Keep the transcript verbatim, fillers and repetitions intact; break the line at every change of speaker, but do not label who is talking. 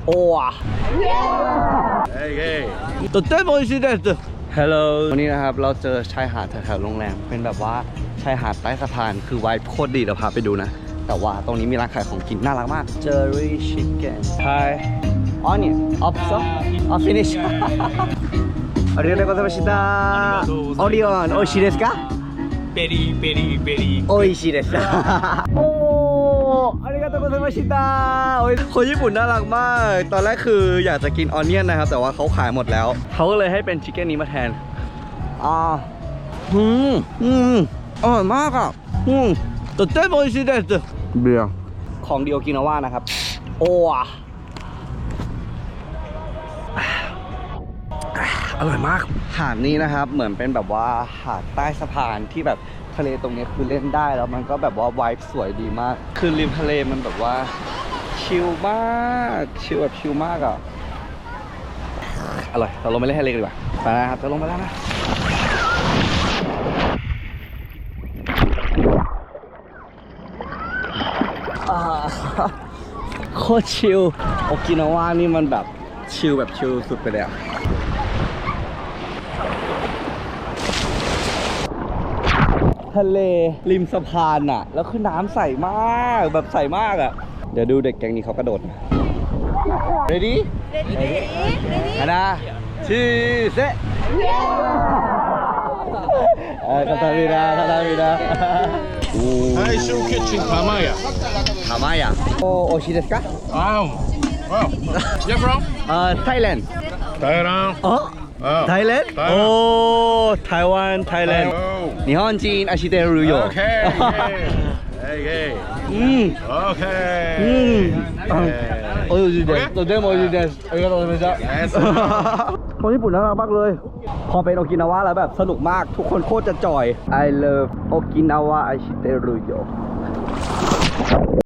ว้าเฮ้ยตัวเต้นบอลสิเด็ดฮัลโหลวันนี้นะครับเราเจอชายหาดแถวๆโรงแรมเป็นแบบว่าชายหาดใต้สะพานคือไวท์โคตรดีเดี๋ยวพาไปดูนะแต่ว่าตรงนี้มีร้านขายของกินน่ารักมากเจอรี่ชิคเก้นไทยอ๋อเนี่ยออฟซอออฟฟินิชありがとうございましたオリオン美味しいですか
ベリーベリーベリー
美味しいですโอ้ありがとうございましたคนญี่ปุ่นน่ารักมากตอนแรกคืออยากจะกินออนเนียนนะครับแต่ว่าเขาขายหมดแล้วเขาก็เลยให้เป็นชิคเก้นนี้มาแทนอ่าอืมอืมอร่อยมากอ่ะอืมとても美味しいですเบียร์ของดีโอกินาว่านะครับโอ้อร่อยมากหาดนี้นะครับเหมือนเป็นแบบว่าหาดใต้สะพานที่แบบทะเลตรงนี้คือเล่นได้แล้วมันก็แบบว่าไวท์สวยดีมากคือริมทะเลมันแบบว่าชิลมากชิลแบบชิลมากอ่ะอร่อยเราลงไปเล่นทะเลกันดีกว่าไปนะครับจะลงไปแล้วนะโคตรชิลโอกินาวานี่มันแบบชิลแบบชิลสุดไปเลยอะทะเลริมสะพานอะแล้วคือน้ำใสมากแบบใสมากอะเดี๋ยวดูเด็กแก๊งนี้เขากระโดดนะ ready ready ready นะชื่อเซะเออคาตามิดาคาตามิดา
最初キッチン玉屋
玉屋お美味しいですか
ああ Yeah bro
เอ่อ Thailand
台湾
อ๋อ Thailand โอ้ Taiwan Thailand 日本人อาชิเตรุโย
Okay Okay
อืม
Okay
อืมโอ้ยดีเด็ดตัวเด้มโอ้ยดีเด็ดありがとうございましたคนญี่ปุ่นน่ารักมากเลยพอเป็นโอกินาวะแล้วแบบสนุกมากทุกคนโคตรจะจอย I love โอกินาวะอาชิเตรุโย